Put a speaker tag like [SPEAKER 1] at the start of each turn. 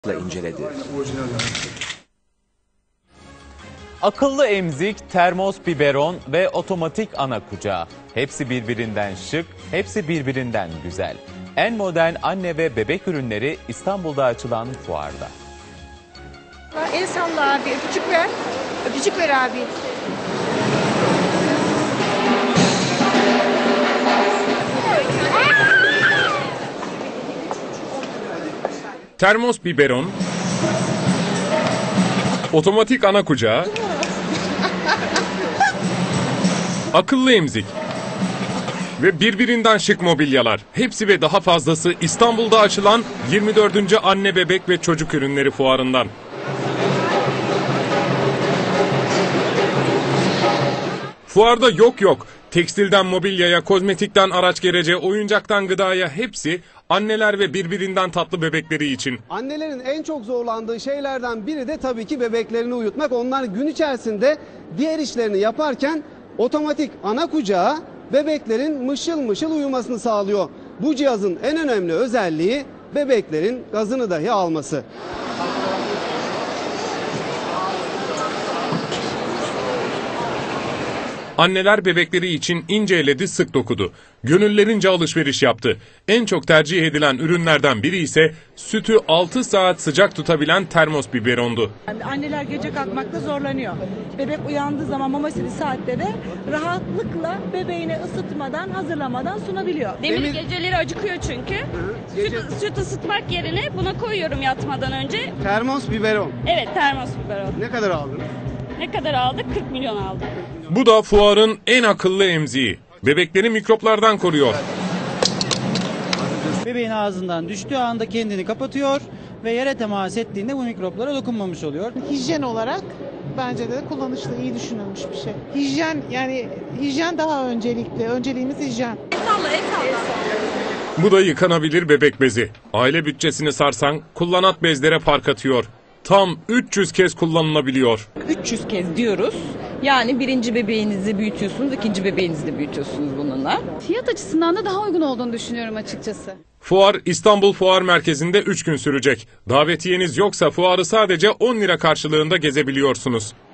[SPEAKER 1] inceledi.
[SPEAKER 2] Akıllı emzik, termos biberon ve otomatik ana kucağı. Hepsi birbirinden şık, hepsi birbirinden güzel. En modern anne ve bebek ürünleri İstanbul'da açılan fuarda.
[SPEAKER 3] El salla abi, öpücük ver. Öpücük ver abi.
[SPEAKER 4] Termos biberon, otomatik ana kucağı, akıllı emzik ve birbirinden şık mobilyalar. Hepsi ve daha fazlası İstanbul'da açılan 24. Anne Bebek ve Çocuk Ürünleri Fuarı'ndan. Fuarda yok. Tekstilden mobilyaya, kozmetikten araç gerece, oyuncaktan gıdaya hepsi anneler ve birbirinden tatlı bebekleri için.
[SPEAKER 5] Annelerin en çok zorlandığı şeylerden biri de tabii ki bebeklerini uyutmak. Onlar gün içerisinde diğer işlerini yaparken otomatik ana kucağı bebeklerin mışıl mışıl uyumasını sağlıyor. Bu cihazın en önemli özelliği bebeklerin gazını dahi alması.
[SPEAKER 4] Anneler bebekleri için ince eledi, sık dokudu. Gönüllerince alışveriş yaptı. En çok tercih edilen ürünlerden biri ise sütü 6 saat sıcak tutabilen termos biberondu.
[SPEAKER 6] Anneler gece kalkmakta zorlanıyor. Bebek uyandığı zaman mamasını saatte de rahatlıkla bebeğine ısıtmadan, hazırlamadan sunabiliyor.
[SPEAKER 7] Demir geceleri acıkıyor çünkü. Süt ısıtmak yerine buna koyuyorum yatmadan önce.
[SPEAKER 5] Termos biberon.
[SPEAKER 7] Evet, termos biberon.
[SPEAKER 5] Ne kadar aldınız?
[SPEAKER 7] Ne kadar aldık? 40 milyon aldık.
[SPEAKER 4] Bu da fuarın en akıllı emziği. Bebekleri mikroplardan koruyor.
[SPEAKER 8] Bebeğin ağzından düştüğü anda kendini kapatıyor ve yere temas ettiğinde bu mikroplara dokunmamış oluyor.
[SPEAKER 9] Hijyen olarak bence de kullanışlı, iyi düşünülmüş bir şey. Hijyen daha öncelikli. Önceliğimiz hijyen.
[SPEAKER 4] Bu da yıkanabilir bebek bezi. Aile bütçesini sarsan kullanat bezlere park atıyor. Tam 300 kez kullanılabiliyor.
[SPEAKER 10] 300 kez diyoruz. Yani birinci bebeğinizi büyütüyorsunuz, ikinci bebeğinizi de büyütüyorsunuz bununla.
[SPEAKER 11] Fiyat açısından da daha uygun olduğunu düşünüyorum açıkçası.
[SPEAKER 4] Fuar İstanbul Fuar Merkezi'nde 3 gün sürecek. Davetiyeniz yoksa fuarı sadece 10 lira karşılığında gezebiliyorsunuz.